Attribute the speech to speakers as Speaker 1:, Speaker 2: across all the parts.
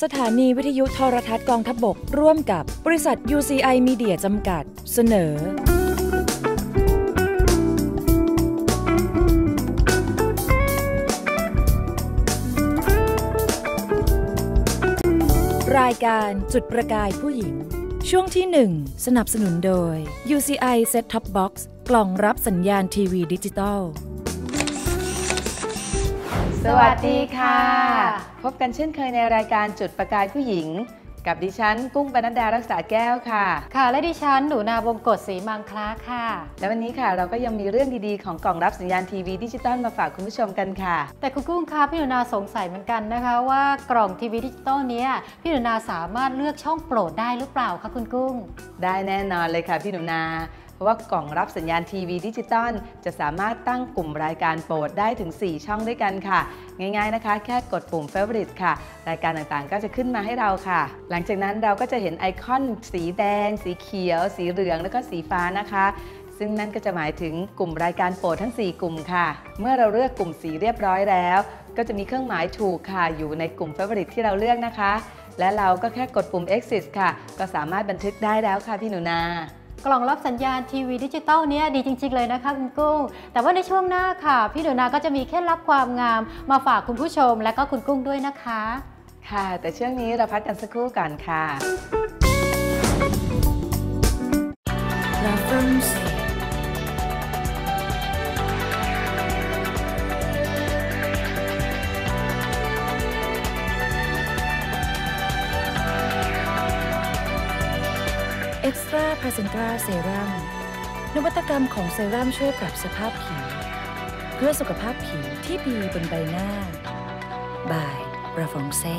Speaker 1: สถานีวิทยุโทรทัศน์กองทัพบกร่วมกับบริษัท UCI Media จำกัดเสนอรายการจุดประกายผู้หญิงช่วงที่ 1 สนับสนุนโดย UCI Set Top Box กล่องรับสัญญาณทีวีดิจิตอล
Speaker 2: สวัสดีค่ะพบกันเช่นเคยในรายการจุดประกายผู้หญิงกับดิฉันกุ้งปนัดดารักษาแก้วค่ะ
Speaker 3: ค่ะและดิฉันหนูนาวงกฎศรีมังคลาค่ะ
Speaker 2: และวันนี้ค่ะเราก็ยังมีเรื่องดีๆของกล่องรับสัญญาณทีวีดิจิตอลมาฝากคุณผู้ชมกันค่ะ
Speaker 3: แต่คุณกุ้งคะพี่หนูนาสงสัยเหมือนกันนะคะว่ากล่องทีวีดิจิตอลนี้พี่หนูนาสามารถเลือกช่องโปรดได้หรือเปล่าคะคุณกุ้ง
Speaker 2: ได้แน่นอนเลยค่ะพี่หนูนาเพราะว่ากล่องรับสัญญาณทีวีดิจิตอลจะสามารถตั้งกลุ่มรายการโปรดได้ถึง4ช่องด้วยกันค่ะง่ายๆนะคะแค่กดปุ่ม Favorite ค่ะรายการต่างๆก็จะขึ้นมาให้เราค่ะหลังจากนั้นเราก็จะเห็นไอคอนสีแดงสีเขียวสีเหลืองแล้วก็สีฟ้านะคะซึ่งนั่นก็จะหมายถึงกลุ่มรายการโปรดทั้ง4กลุ่มค่ะเมื่อเราเลือกกลุ่มสีเรียบร้อยแล้วก็จะมีเครื่องหมายถูกค่ะอยู่ในกลุ่ม Favorite ที่เราเลือกนะคะและเราก็แค่กดปุ่ม Exit ค่ะก็สามารถบันทึกได้แล้วค่ะพี่หนูนาก
Speaker 3: ล่องรับสัญญาณทีวีดิจิตอลนี้ดีจริงๆเลยนะคะคุณกุ้งแต่ว่าในช่วงหน้าค่ะพี่หนูนาก็จะมีเคล็ดลับความงามมาฝากคุณผู้ชมและก็คุณกุ้งด้วยนะคะ
Speaker 2: ค่ะแต่ช่วงนี้เราพักกันสักครู่ก่อนค่ะ
Speaker 1: Extra Placenta Serum นวัตกรรมของเซรั่มช่วยปรับสภาพผิวเพื่อสุขภาพผิวที่ดีบนใบหน้า by Rafongse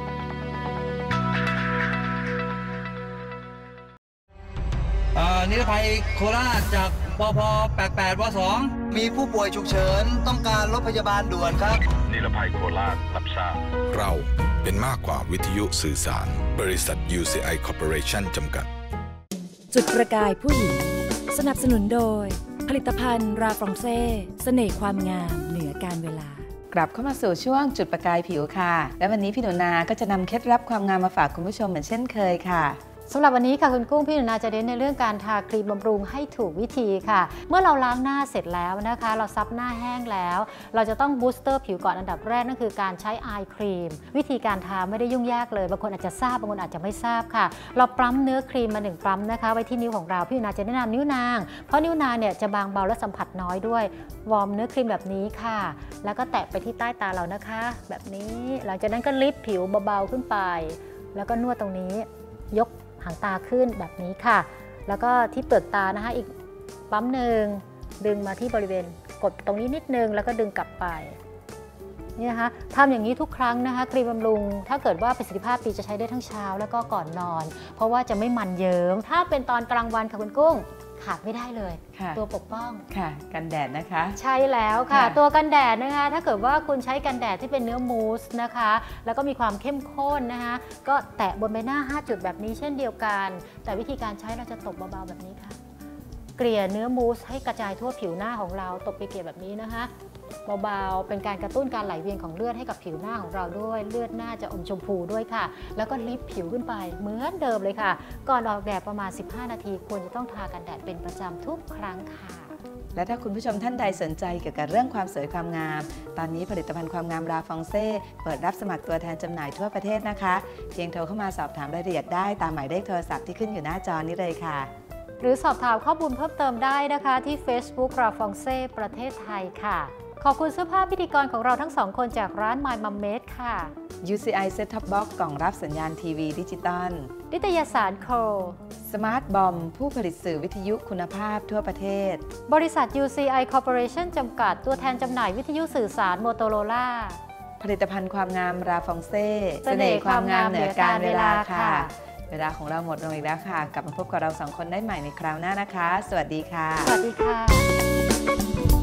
Speaker 4: นิรภัยโคราชจากปพ88ว2มีผู้ป่วยฉุกเฉินต้องการรถพยาบาลด่วนครับ
Speaker 5: นิรภัยโคราชรับทราบ
Speaker 6: เราเป็นมากกว่าวิทยุสื่อสารบริษัท UCI Corporation จำกัด
Speaker 1: จุดประกายผู้หญิงสนับสนุนโดยผลิตภัณฑ์ราฟรองเซ่เสน่ห์ความงามเหนือการเวลาก
Speaker 2: ลับเข้ามาสู่ช่วงจุดประกายผิวค่ะและวันนี้พี่หนูนาก็จะนำเคล็ดลับความงามมาฝากคุณผู้ชมเหมือนเช่นเคยค่ะ
Speaker 3: สำหรับวันนี้ค่ะคุณกุ้งพี่หนูนาจะเน้นในเรื่องการทาครีมบำรุงให้ถูกวิธีค่ะเมื่อเราล้างหน้าเสร็จแล้วนะคะเราซับหน้าแห้งแล้วเราจะต้องบูสเตอร์ผิวก่อนอันดับแรกนั่นคือการใช้ไอครีมวิธีการทาไม่ได้ยุ่งยากเลยบางคนอาจจะทราบบางคนอาจจะไม่ทราบค่ะเราปั๊มเนื้อครีมมา1ปั๊มนะคะไว้ที่นิ้วของเราพี่หนูนาจะแนะนำนิ้วนางเพราะนิ้วนางเนี่ยจะบางเบาและสัมผัสน้อยด้วยวอร์มเนื้อครีมแบบนี้ค่ะแล้วก็แตะไปที่ใต้ตาเรานะคะแบบนี้หลังจากนั้นก็ลิฟต์ผิวเบาๆขึ้นไปแล้วก็นวดตรงนี้ยกหางตาขึ้นแบบนี้ค่ะแล้วก็ที่เปลือกตานะคะอีกปั๊มหนึ่งดึงมาที่บริเวณกดตรงนี้นิดนึงแล้วก็ดึงกลับไปนี่นะคะทำอย่างนี้ทุกครั้งนะคะครีมบำรุงถ้าเกิดว่าประสิทธิภาพดีจะใช้ได้ทั้งเช้าแล้วก็ก่อนนอนเพราะว่าจะไม่มันเยิ้มถ้าเป็นตอนกลางวันค่ะคุณกุ้งขาดไม่ได้เลยตัวปกป้อง
Speaker 2: ค่ะกันแดดนะคะ
Speaker 3: ใช่แล้วค่ะตัวกันแดดนะคะถ้าเกิดว่าคุณใช้กันแดดที่เป็นเนื้อมูสนะคะแล้วก็มีความเข้มข้นนะคะก็แตะบนใบหน้า5จุดแบบนี้เช่นเดียวกันแต่วิธีการใช้เราจะตบเบาๆแบบนี้ค่ะเกลี่ยเนื้อมูสให้กระจายทั่วผิวหน้าของเราตบไปเกลี่ยแบบนี้นะคะเบาๆเป็นการกระตุ้นการไหลเวียนของเลือดให้กับผิวหน้าของเราด้วยเลือดหน้าจะอมชมพูด้วยค่ะแล้วก็ลิฟต์ผิวขึ้นไปเหมือนเดิมเลยค่ะก่อนออกแดดประมาณ15นาทีควรจะต้องทากันแดดเป็นประจำทุกครั้งค่ะ
Speaker 2: และถ้าคุณผู้ชมท่านใดสนใจเกี่ยวกับเรื่องความสวยความงามตอนนี้ผลิตภัณฑ์ความงามราฟองเซ่เปิดรับสมัครตัวแทนจำหน่ายทั่วประเทศนะคะเพียงโทรเข้ามาสอบถามรายละเอียดได้ตามหมายเลขโทรศัพท์ที่ขึ้นอยู่หน้าจอนี้เลยค่ะ
Speaker 3: หรือสอบถามข้อมูลเพิ่มเติมได้นะคะที่ Facebook ราฟองเซ่ประเทศไทยค่ะขอบคุณเสื้อผ้าพิธีกรของเราทั้ง2คนจากร้าน My Mum Made ค่ะ
Speaker 2: UCI Set Top Box กล่องรับสัญญาณทีวีดิจิตอล
Speaker 3: นิตยสารโค
Speaker 2: Smart Bomb ผู้ผลิตสื่อวิทยุคุณภาพทั่วประเทศ
Speaker 3: บริษัท UCI Corporation จำกัดตัวแทนจำหน่ายวิทยุสื่อสาร Motorola
Speaker 2: ผลิตภัณฑ์ความงามราฟองเซ่เสน่ห์ความงามเหนือการเวลาค่ะเวลาของเราหมดลงอีกแล้วค่ะกลับมาพบกับเรา2คนได้ใหม่ในคราวหน้านะคะสวัสดีค่ะ
Speaker 3: สวัสดีค่ะ